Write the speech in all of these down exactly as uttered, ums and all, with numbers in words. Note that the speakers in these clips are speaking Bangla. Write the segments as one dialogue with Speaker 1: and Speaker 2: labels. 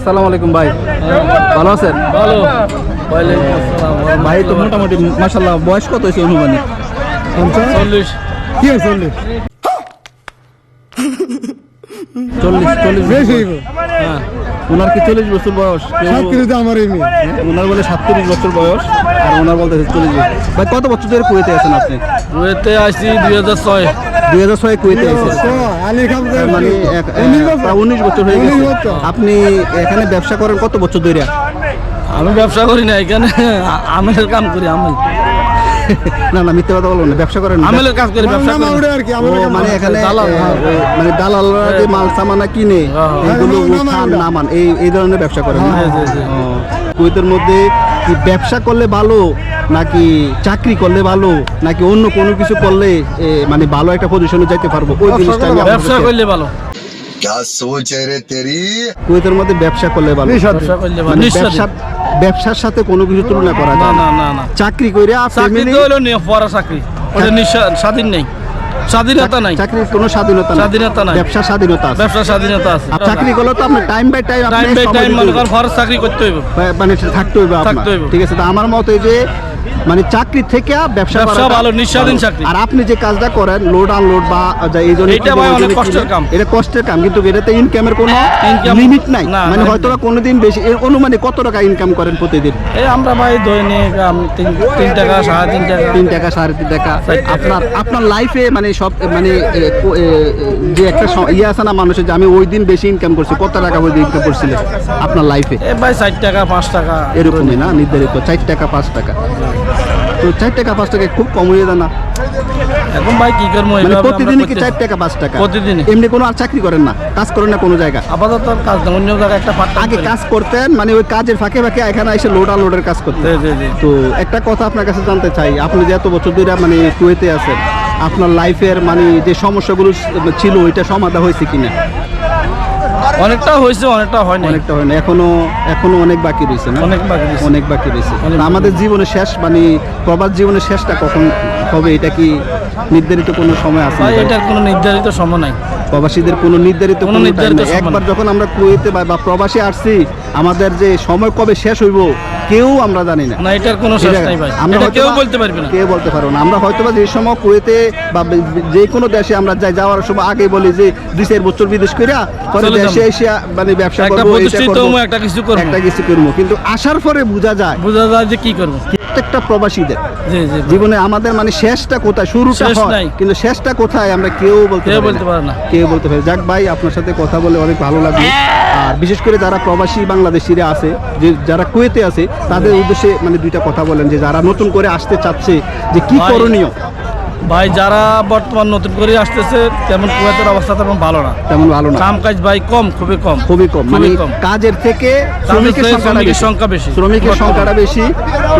Speaker 1: আসসালামু আলাইকুম ভাই, ভালো আছেন?
Speaker 2: ভালো। ওয়ালাইকুম আসসালাম।
Speaker 1: ভাই তো মোটামুটি মাশাআল্লাহ বয়স কত হয়েছে অনুমানিক?
Speaker 2: চল্লিশ।
Speaker 1: কি হয় চল্লিশ? চল্লিশ চল্লিশ বেশি। হ্যাঁ, ওনার কি চল্লিশ বছর বয়স? আমার ওনার বলে সাতত্রিশ বছর বয়স আর ওনার বলতে চল্লিশ বছর। ভাই কত বছর ধরে কুয়েতে আছেন আপনি?
Speaker 2: কুয়েতে আসছি দুই হাজার ছয়।
Speaker 1: দুই হাজার ছয় কুয়েতে আছেন, মানে এক- প্রায় উনিশ বছর হয়ে গেছে। আপনি এখানে ব্যবসা করেন কত বছর ধরে?
Speaker 2: আমি ব্যবসা করি না, এখানে আমেলের কাম করি। আমেল
Speaker 1: না না মিথ্যে কথা বলবো না, ব্যবসা করেন না।
Speaker 2: আমেলের কাজ করি, ব্যবসা করি।
Speaker 1: ও, মানে এখানে
Speaker 2: দালাল।
Speaker 1: আহ, মানে দালালরা যে মাল সামানা কিনে এগুলো উঠান নামান এই এই ধরনের ব্যবসা করেন না?
Speaker 2: জি, জি, জি।
Speaker 1: ও, কুয়েতের মধ্যে কি ব্যবসা করলে ভালো নাকি চাকরি করলে ভালো নাকি অন্য কোনো কিছু করলে এ, মানে ভালো একটা পজিশনে যাইতে পারবো, ওই জিনিসটা আমি
Speaker 2: ব্যবসা
Speaker 1: আপনাদেরকে-
Speaker 2: করলে ভালো।
Speaker 3: क्या सोच है रे तेरी?
Speaker 1: কুয়েতের মধ্যে ব্যবসা করলে ভালো,
Speaker 2: ব্যবসা করলে ভালো।
Speaker 1: মানে
Speaker 2: নিঃস্বার্থে।
Speaker 1: ব্যবসা ব্যবসার সাথে কোনো কিছু তুলনা করা
Speaker 2: না
Speaker 1: যায় না।
Speaker 2: না না না,
Speaker 1: চাকরি কইরা
Speaker 2: চাকরি
Speaker 1: ফ্যামিলি
Speaker 2: তো হলো নিয়ে পড়া চাকরি, ওটা নিঃস্বা- স্বাধীন নেই, স্বাধীনতা নাই।
Speaker 1: চাকরির কোনো স্বাধীনতা নাই,
Speaker 2: স্বাধীনতা নাই।
Speaker 1: ব্যবসার স্বাধীনতা আছে।
Speaker 2: ব্যবসার স্বাধীনতা আছে।
Speaker 1: আর চাকরি করলে তো আপনি time by time
Speaker 2: time by time মনে করেন ফরজ চাকরি করতে হইব।
Speaker 1: মানে থাকতে হইবে আপনার।
Speaker 2: থাকতে হইবে।
Speaker 1: ঠিক আছে, তো আমার মতে যে মানে চাকরি থেকে ব্যবসা
Speaker 2: ব্যবসা
Speaker 1: করাটা
Speaker 2: ভালো, নিঃস্বাধীন
Speaker 1: ভালো।
Speaker 2: চাকরি।
Speaker 1: আর আপনি যে কাজটা করেন লোড আনলোড বা যা এই জন্য
Speaker 2: এটা ভাই অনেক কষ্টের কাম।
Speaker 1: এটা কষ্টের কাম, কিন্তু এটাতে ইনকামের কোনো
Speaker 2: Income-
Speaker 1: লিমিট নাই।
Speaker 2: না,
Speaker 1: মানে
Speaker 2: না,
Speaker 1: হয়তো বা কোনোদিন বেশি এর অনুমানে কত টাকা ইনকাম করেন প্রতিদিন?
Speaker 2: এই আমরা ভাই দৈনিক আম, তিন তিন টাকা সাড়ে তিন টাকা।
Speaker 1: তিন টাকা সাড়ে তিন টাকা। আপনার আপনার লাইফে মানে সব মানে এ, কো- এ, যে একটা স- ইয়ে আছে না মানুষের যে আমি ওই দিন বেশি ইনকাম করছি, কত টাকা ওই দিন ইনকাম করছিলেন আপনার লাইফে?
Speaker 2: এ ভাই ষাট টাকা পাঁচ টাকা
Speaker 1: এরকমই না নির্ধারিত চার টাকা পাঁচ টাকা। তো চার টাকা পাঁচ টাকা খুব কম হয়ে যায় না?
Speaker 2: এখন ভাই কি করবো,
Speaker 1: মানে
Speaker 2: এইভাবে আমরা
Speaker 1: প্রতিদিনই কি
Speaker 2: করতেছি।
Speaker 1: চার টাকা পাঁচ টাকা?
Speaker 2: প্রতিদিনই।
Speaker 1: এমনি কোনো আর চাকরি করেন না, কাজ করেন না কোনো জায়গা?
Speaker 2: আপাতত আর কাজ না, অন্য জায়গায় একটা পার্ট
Speaker 1: আগে কাজ করতেন, মানে ওই কাজের ফাঁকে ফাঁকে এখানে এসে লোড আনলোডের কাজ করতেন।
Speaker 2: জি জি জি।
Speaker 1: তো একটা কথা আপনার কাছে জানতে চাই, আপনি যে এত বছর ধরে মানে কুয়েতে আছেন, আপনার লাইফের মানে যে সমস্যাগুলো ছিল ওইটা সমাধান হয়েছে কিনা?
Speaker 2: অনেকটা হয়েছে, অনেকটা হয় না।
Speaker 1: অনেকটা হয় না, এখনো এখনো অনেক বাকি রয়েছে না?
Speaker 2: অনেক বাকি রয়েছে।
Speaker 1: অনেক বাকি রয়েছে।
Speaker 2: অনেক
Speaker 1: তা আমাদের জীবনের শেষ মানে প্রবাস জীবনের শেষটা কখন হবে, এটা কি নির্ধারিত কোনো সময় আছে?
Speaker 2: ভাই এটার কোনো নির্ধারিত সময় নাই।
Speaker 1: প্রবাসীদের কোনো নির্ধারিত
Speaker 2: কোনো
Speaker 1: কোনো time
Speaker 2: নির্ধারিত
Speaker 1: নাই।
Speaker 2: সময়
Speaker 1: একবার
Speaker 2: নাই।
Speaker 1: যখন আমরা কুয়েতে বা বা প্রবাসে আসছি, আমাদের যে সময় কবে শেষ হইব কেউ আমরা জানি না।
Speaker 2: না, এটার কোনো শেষ
Speaker 1: এটা-
Speaker 2: নাই ভাই,
Speaker 1: আমরা
Speaker 2: এটা
Speaker 1: হয়তো
Speaker 2: কেউ
Speaker 1: বা-
Speaker 2: বলতে পারবে না।
Speaker 1: কেউ বলতে পারবো না। আমরা হয়তো বা যে সময় কুয়েতে বা বে- বে- যে কোনো দেশে আমরা যাই, যাওয়ার সময় আগে বলি যে দুই চার বছর বিদেশ কইরা পরে
Speaker 2: চলে
Speaker 1: দেশে
Speaker 2: যাবো।
Speaker 1: এসে মানে ব্যবসা
Speaker 2: একটা
Speaker 1: করবো, এটা
Speaker 2: প্রতিষ্ঠিত
Speaker 1: করবো,
Speaker 2: হবো, একটা কিছু করবো।
Speaker 1: একটা কিছু করবো, কিন্তু আসার পরে বোঝা যায়
Speaker 2: বোঝা যায় যে কি করবো।
Speaker 1: প্রত্যেকটা প্রবাসীদের
Speaker 2: জি জি।
Speaker 1: জীবনে আমাদের মানে শেষটা কোথায়, শুরুটা
Speaker 2: শেষ
Speaker 1: হয়
Speaker 2: নাই।
Speaker 1: কিন্তু শেষটা কোথায় আমরা কেউ বলতে
Speaker 2: কেউ
Speaker 1: পারি
Speaker 2: বলতে পারে না।
Speaker 1: কেউ বলতে পারে। যাক ভাই, আপনার সাথে কথা বলে অনেক ভালো লাগলো। আর বিশেষ করে যারা প্রবাসী বাংলাদেশিরা আছে, যে যারা কুয়েতে আছে, তাদের উদ্দেশ্যে মানে দুইটা কথা বলেন, যে যারা নতুন করে আসতে চাচ্ছে যে কি
Speaker 2: ভাই,
Speaker 1: করণীয়?
Speaker 2: ভাই যারা বর্তমান নতুন করে আসতেছে তেমন কুয়েতের অবস্থা তেমন ভালো না।
Speaker 1: তেমন ভালো না,
Speaker 2: কাম কাজ ভাই কম, খুবই কম।
Speaker 1: খুবই কম। মানে
Speaker 2: খুবই কম।
Speaker 1: কাজের থেকে
Speaker 2: কাজের
Speaker 1: শ্রমিকের
Speaker 2: থেকে
Speaker 1: সংখ্যাটা
Speaker 2: শ্রমিকের
Speaker 1: বেশি।
Speaker 2: সংখ্যা বেশি।
Speaker 1: শ্রমিকের
Speaker 2: বর্তমানে।
Speaker 1: সংখ্যাটা বেশি। তো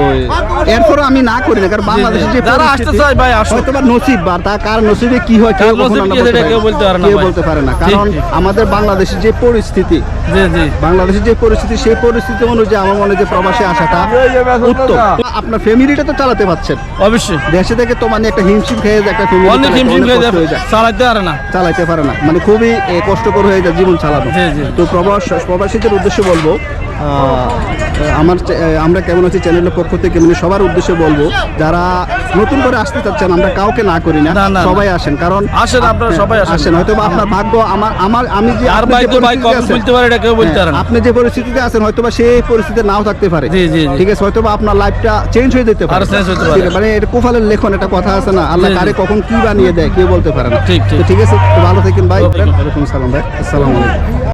Speaker 1: এরপরও আমি না করি না, কারণ বাংলাদেশে যে
Speaker 2: যারা আসতে
Speaker 1: পরিস্থিতি,
Speaker 2: চায় ভাই আসুক।
Speaker 1: হয়তো বা নসিব বা তা কার নসিবে কি হয় কেউ
Speaker 2: কার
Speaker 1: কখনো
Speaker 2: নসিব
Speaker 1: আমরা
Speaker 2: কি
Speaker 1: বলতে
Speaker 2: সেটা
Speaker 1: পারি
Speaker 2: কেউ
Speaker 1: না।
Speaker 2: বলতে পারে না
Speaker 1: কেউ
Speaker 2: ভাই।
Speaker 1: বলতে পারে না,
Speaker 2: ঠিক,
Speaker 1: কারণ
Speaker 2: ঠিক।
Speaker 1: আমাদের বাংলাদেশের যে পরিস্থিতি,
Speaker 2: জি জি।
Speaker 1: বাংলাদেশের যে পরিস্থিতি, সেই পরিস্থিতি অনুযায়ী আমার মনে হয় যে প্রবাসে আসাটা উত্তম। আপনার ফ্যামিলিটা তো চালাতে পারছেন,
Speaker 2: অবশ্যই
Speaker 1: দেশে থেকে তো মানে একটা হিমশিম খেয়ে যায়, একটা ফ্যামিলি
Speaker 2: অনেক হিমশিম খেয়ে যায়,
Speaker 1: হয়ে যায়,
Speaker 2: চালাইতে পারে না।
Speaker 1: চালাইতে পারে না, মানে খুবই এ, কষ্টকর হয়ে যায় জীবন চালানো।
Speaker 2: জি, জি।
Speaker 1: তো প্রবাস প্রবাসীদের উদ্দেশ্যে বলবো, আহ, আমার চে- আমরা কেমন আছি চ্যানেলের পক্ষ থেকে মানে সবার উদ্দেশ্যে বলবো, যারা নতুন করে আসতে চাচ্ছেন, আমরা কাউকে না করি না,
Speaker 2: না, না,
Speaker 1: সবাই আসেন। কারণ
Speaker 2: আসেন, আপনারা সবাই আসেন।
Speaker 1: আসেন, হয়তো বা আপনার ভাগ্য আমার আমার আমি যে
Speaker 2: আর
Speaker 1: আপনি
Speaker 2: ভাই
Speaker 1: যে
Speaker 2: তো ভাই
Speaker 1: পরিস্থিতিতে
Speaker 2: কখন
Speaker 1: আছেন,
Speaker 2: বলতে পারে এটা কেউ বলতে পারে
Speaker 1: হ্যাঁ,
Speaker 2: না।
Speaker 1: আপনি যে পরিস্থিতিতে আছেন হয়তো বা সেই পরিস্থিতিতে নাও থাকতে পারে।
Speaker 2: জি, জি, জি।
Speaker 1: ঠিক আছে, হয়তো বা আপনার লাইফটা চেঞ্জ হয়ে যেতে পারে।
Speaker 2: আরো change হতে পারে।
Speaker 1: ঠিক আছে, মানে এটা কোফালের লেখন, একটা কথা আছে না, আল্লাহ
Speaker 2: জি, জি।
Speaker 1: কারে কখন কি বানিয়ে দেয় কেউ বলতে পারে না।
Speaker 2: ঠিক, ঠিক।
Speaker 1: তো ঠিক আছে, তো ভালো থাকেন ভাই।
Speaker 2: ওকে।
Speaker 1: ওয়ালাইকুম আসসালাম ভাই, আসসালামু আলাইকুম।